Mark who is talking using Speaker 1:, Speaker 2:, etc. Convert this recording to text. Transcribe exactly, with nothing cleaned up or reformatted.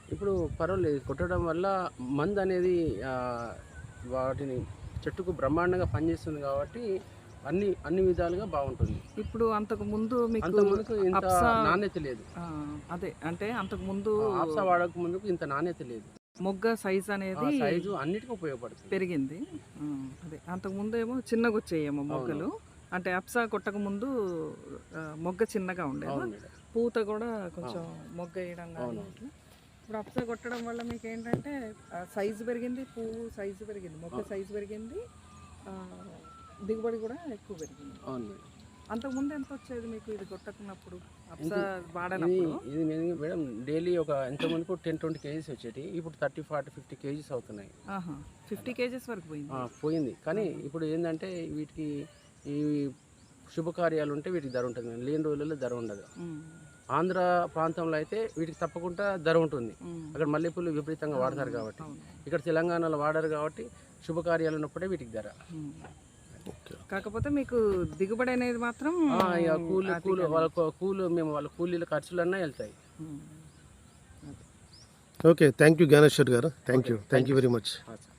Speaker 1: ఇప్పుడు పర్వాలేదు కొట్టడం వల్ల మందు అనేది ఆ, వాటిని చెట్టుకు బ్రహ్మాండంగా పనిచేస్తుంది కాబట్టి అన్ని అన్ని విధాలుగా బాగుంటుంది.
Speaker 2: ఇప్పుడు అంతకు ముందు మీకు
Speaker 1: అంత ముందుకు ఇంత
Speaker 2: అప్సా
Speaker 1: నాణ్యత లేదు.
Speaker 2: ఆ, అదే అంటే అంతకు ముందు
Speaker 1: ఆ, ఆప్సా వాడక ముందుకు ఇంత నాణ్యత లేదు.
Speaker 2: మొగ్గ సైజ్
Speaker 1: ఆ
Speaker 2: అనేది
Speaker 1: సైజు అన్నిటికీ ఉపయోగపడుతుంది.
Speaker 2: పెరిగింది. ఆ, అదే అంతకు ముందు ఏమో చిన్నగా వచ్చేయేమో
Speaker 1: అవును
Speaker 2: మొగ్గలు. అంటే అప్సా కొట్టక ముందు ఆ, మొగ్గ చిన్నగా ఉండేది,
Speaker 1: అవును మేడం.
Speaker 2: పూత కూడా కొంచెం మొగ్గ వేయడం కానీ
Speaker 1: అవును.
Speaker 2: ఇట్లా. ఇప్పుడు అప్సా కొట్టడం వల్ల మీకు ఏంటంటే సైజు పెరిగింది, పువ్వు సైజు పెరిగింది, మొగ్గ సైజు పెరిగింది, ఆ, దిగుబడి కూడా ఎక్కువ పెరిగింది.
Speaker 1: అవును మేడం.
Speaker 2: అంతకుముందు ఎంత వచ్చేది మీకు ఇది కొట్టకున్నప్పుడు, అప్సా
Speaker 1: ఇది
Speaker 2: వాడనప్పుడు?
Speaker 1: ఇది నేను మేడం డైలీ ఒక ఎంత ముందుకు టెన్ ట్వంటీ కేజీస్ వచ్చేటి, ఇప్పుడు థర్టీ ఫార్టీ ఫిఫ్టీ కేజీస్ అవుతున్నాయి.
Speaker 2: ఆహా, ఫిఫ్టీ కేజెస్ వరకు పోయింది.
Speaker 1: ఆ, పోయింది. కానీ ఇప్పుడు ఏంటంటే వీటికి ఈ శుభకార్యాలు ఉంటే వీటికి ధర ఉంటుంది, లేని రోజులలో ధర ఉండదు.
Speaker 2: ఉమ్,
Speaker 1: ఆంధ్ర ప్రాంతంలో అయితే వీటికి తప్పకుండా ధర ఉంటుంది.
Speaker 2: ఉమ్,
Speaker 1: అక్కడ మల్లెపూలు విపరీతంగా వాడతారు కాబట్టి,
Speaker 2: అవును.
Speaker 1: ఇక్కడ తెలంగాణలో వాడరు కాబట్టి శుభకార్యాలు ఉన్నప్పుడే వీటికి ధర.
Speaker 2: ఉమ్. కాకపోతే మీకు దిగుబడి అనేది మాత్రం
Speaker 1: ఆ, ఇక కూలి
Speaker 2: అధికంగా
Speaker 1: కూలి వాళ్ళ కూలు మేము వాళ్ళ కూలీల ఖర్చులన్నా వెళ్తాయి.
Speaker 2: Um.
Speaker 3: Okay, thank you Gnaneshwar గారు. Thank you thank you very much.
Speaker 1: ఆ, సరే.